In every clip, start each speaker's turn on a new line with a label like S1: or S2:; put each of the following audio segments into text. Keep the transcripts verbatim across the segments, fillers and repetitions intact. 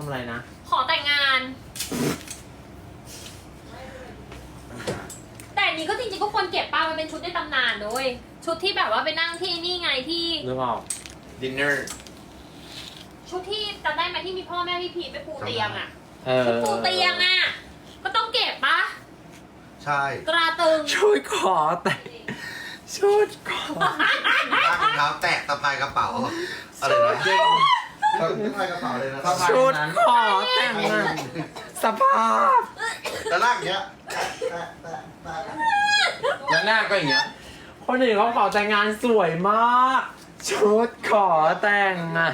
S1: ำอะไรนะ
S2: ขอแต่งงาน แต่อันนี้ก็จริงๆก็ควรเก็บป้ามันเป็นชุดในตำนานด้วยชุดที่แบบว่าไปนั่งที่นี่ไงที่
S1: นึกออก
S3: ดินเนอร์
S2: ชุดที่จำได้ไหมที่มีพ่อแม่พี่พีทไปปูเตียงอ่ะ
S1: เออ
S2: ชุดปูเตียงอ่ะก็ต้องเก็บปะ
S4: ใช่
S2: ตราตึง
S1: ชุดขอแต่ชุดขอ
S4: ลากรองเท้าแตะสะพายกระเป๋าอะไรนะเจ๊สะพายกระเป๋าเลยนะ
S1: ชุดขอแต่งงานสภาพ
S4: แล้วลากอย่างเงี้ยแตะแตะแตะ
S3: แล้วหน้าก็อย่างเงี้ย
S1: คนอื่นเขาขอแต่งงานสวยมาก ชุดขอแต่งอะ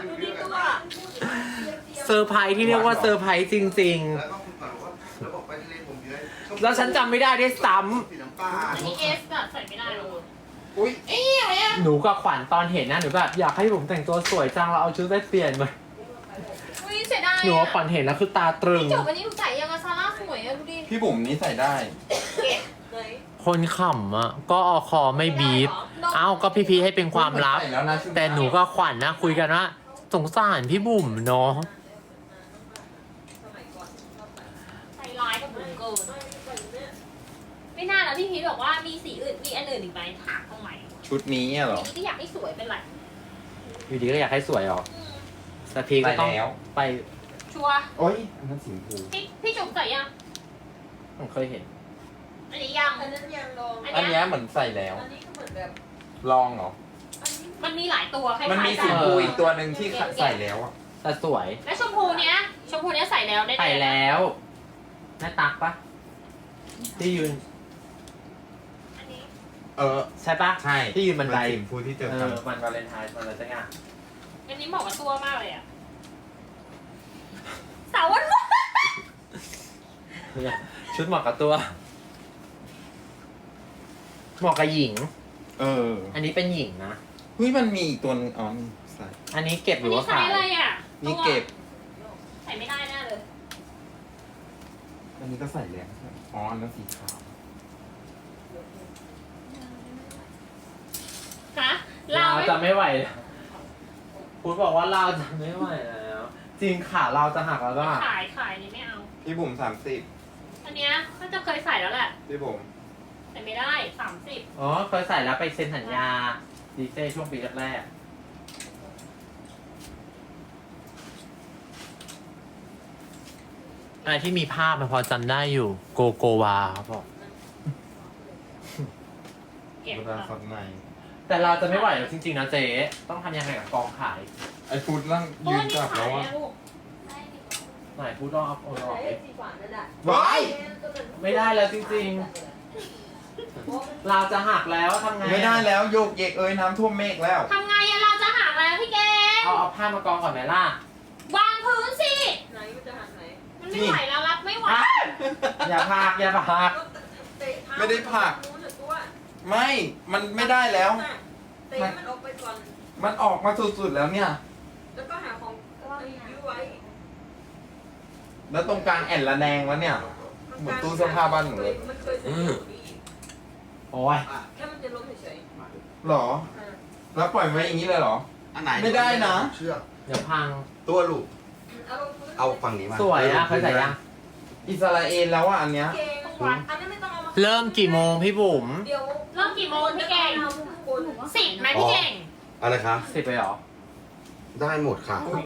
S1: เซอร์ไพรส์ที่เรียกว่าเซอร์ไพรส์จริง
S4: แล้วก็คุณก่อนว่าแล้วบอกไปทะเลผมเยอะ
S1: ๆ แล้วฉันจำไม่ได้ด้วยซ้
S4: สีน้ำตาล
S2: อันนี้เอสแบบใส่ไม่ได้หรอก
S3: อุ้ยเอ๊ะอะไรอ่ะ
S1: ำหนูกับขวัญตอนเห็นนะหนูแบบอยากให้ผมแต่งตัวสวยจังเราเอาชุดไปเปลี่ยนมา
S2: อุ้ยเสียดาย
S1: หนูกับขวัญเห็นแล้วคือตาตรึง
S2: จบวันนี้หนูใส่ยังอะซาร่าสวยอะดูดิ
S3: พี่บุ๋มนี่ใส่ได้
S2: เก็บเลย
S1: คนขำอ่ะก็อคอไม่บีบ เอ้าก็พี่พีให้เป็นความลับ
S3: ใส่แล้วนะชุด
S1: แต่หนูก็ขวัญนะคุยกันว่าสงสารพี่บุ๋มเนาะ
S2: ใส่ร้ายกับบุ๋มเกินไม่น่าแล้วพี่พีทบอกว่ามีสีอื่นมีอันอื่นอีกไหมถามทำไม
S3: ชุดนี้อะเหรอ
S2: ทีนี้ก็อยากให้สวยเป็นไร
S1: อยู่ดีก็อยากให้สวยหรอ
S2: อืม
S1: แต่พีก็ต้อง
S3: ไปแล้ว
S1: ไป
S2: ชัวร์
S3: โอ้ยอันนั้นสีชมพู
S2: พี่พี่จุ๋มใส่ยัง
S1: ผมเคยเห็น
S2: อันนี้ยัง
S5: อันนั้นยังลอง
S2: อัน
S3: อัน
S2: เนี้
S3: เนี้
S2: ย
S3: ยเหมือนใส่แล้ว
S5: อันนี้ก็เหมือนแบบ
S3: ลองเหรอ
S5: อันนี้
S2: มันมีหลายตัวคล้ายๆ
S3: มันมีสีชมพูอีกตัวหนึ่งที่ใส่แล้วอ่ะ
S1: แต่สวย
S2: แล้วชมพูเนี้ยชมพูเนี้ยใส่แล้วได้
S1: ไปแล้วแม่ตักปะที่ยืน
S2: อันนี้
S3: เออ
S1: ใช่ปะ
S3: ใช่
S1: ที่ยืนบันได
S3: สีชมพูที่เจอ
S1: เอ
S3: กัน
S1: อมันวาเลนไทน์มันอะไรสักอย่าง
S2: อันนี้เหมาะกับตัวมากเลยอะสาววันวาน
S1: เนี่ยชุดเหมาะกับตัวเหมาะกับหญิง
S3: เออ
S1: อันนี้เป็นหญิงนะ
S3: เฮ้ยมันมีอีกตัวนึงอ๋อนี่ใส่
S1: อันนี้เก็บห
S2: อัน
S1: รือ
S2: นี้
S1: ว่า
S2: ใส่
S1: ขาย
S2: อะไรอะ
S3: นี่เก็บ
S2: ใส่ไม่ได้แน่เลย
S3: อันนี้ก็ใส่แล้วอ๋ออันนั้นสีขาว
S2: ฮะ
S1: เรา
S2: เราไม่
S1: จะไม่ไหวแล้วพูดบอกว่าเราจะไม่ไหวแล้ว จริงขาเราจะหักแล้วก็หัก
S2: ขายขายอันนี้ไม่เอา
S3: พี่บุ๋มสามสิบ
S2: อันเนี้ยก็จะเคยใส่แล้วแหละ
S3: พี่บุ๋ม
S2: แต่ไม่ได้สามสิบ
S1: อ๋อเคยใส่แล้วไปเซ็นสัญญาดีเซช่วงปีแรกๆอะไรที่มีภาพมันพอจำได้อยู่ โกโกวาเขาบอก
S2: เก็บ
S3: เวลาสดใน
S1: แต่เราจะไม่ไหวแล้วจริงๆนะเจ๊ต้องทำยังไงกับกองขาย
S3: ไอ้ฟูดนั่ง
S2: โอ้
S3: ยื
S2: ย
S3: น
S2: นี่
S3: จับ
S2: ขา
S3: แล้
S2: ยว
S3: อ่ะ
S2: นะลูก
S1: ไหนพูดต้องเอาโอนออก
S5: ใช้
S1: ดิ
S5: สีขวานนั่นแหละ
S3: ว้าย
S1: ไม่ได้แล้วจริงๆ เราจะหักแล้วทำไง
S3: ไม่ได้แล้วโยกเยกเอ้ยน้ำท่วมเมฆแล้ว
S2: ทำไงอะเราจะหักแล้วพี่เกง
S1: เอาเอาผ้ามากองก่อนไหมล่ะ
S2: วางพื้นสิ
S5: ไหนมันจะหันไหน
S2: มันไม่ไหวแล้วรับไม่ไหว
S1: อ่ะอย่าพักอย่าพัก
S5: ก็เตะเท้า
S3: ไม่ได้ผลัก
S5: นู้นน่ะตัว
S3: ไม่ มันไม่ได้แล้ว
S5: เตะมันออกไปก่อน
S3: มันออกมาสุดๆแล้วเนี่ย
S5: แล้วก็หาของยื้อไว้
S3: แล้วตรงกลางแอนละแนงแล้วเนี่ย หมุนตู้เสื้อผ้าบ้านหนูเลย
S5: มันเคยซื้ออยู่ดี
S1: โอ้ย
S5: แค่มันจะล้มเฉย
S3: หรอ
S5: ๆอ่า
S3: แล้วปล่อยไว้อย่างนี้เลยเหรอ
S4: อันไหน
S3: ไม่ได้นะ
S4: เชือก
S1: เดี๋ยวพัง
S4: ตัวลูก
S5: เอาลงพื้น
S4: เอาฝั่งนี้มา
S1: สวยอะเคยใส่ยัง
S3: อิสราเอลแล้วอ่ะอันเนี้ย
S5: เก่งอันนั้นไม่ต้องเอามา
S1: เริ่มกี่โมงพี่บุ๋ม
S5: เดี๋ยว
S2: เริ่มกี่โมงพี่เก่ง
S5: เอาข้างบน
S2: สิบไหมพี่เก่ง
S4: อะไรคะ
S1: สิบไปเหรอ
S4: ได้หมดค่ะ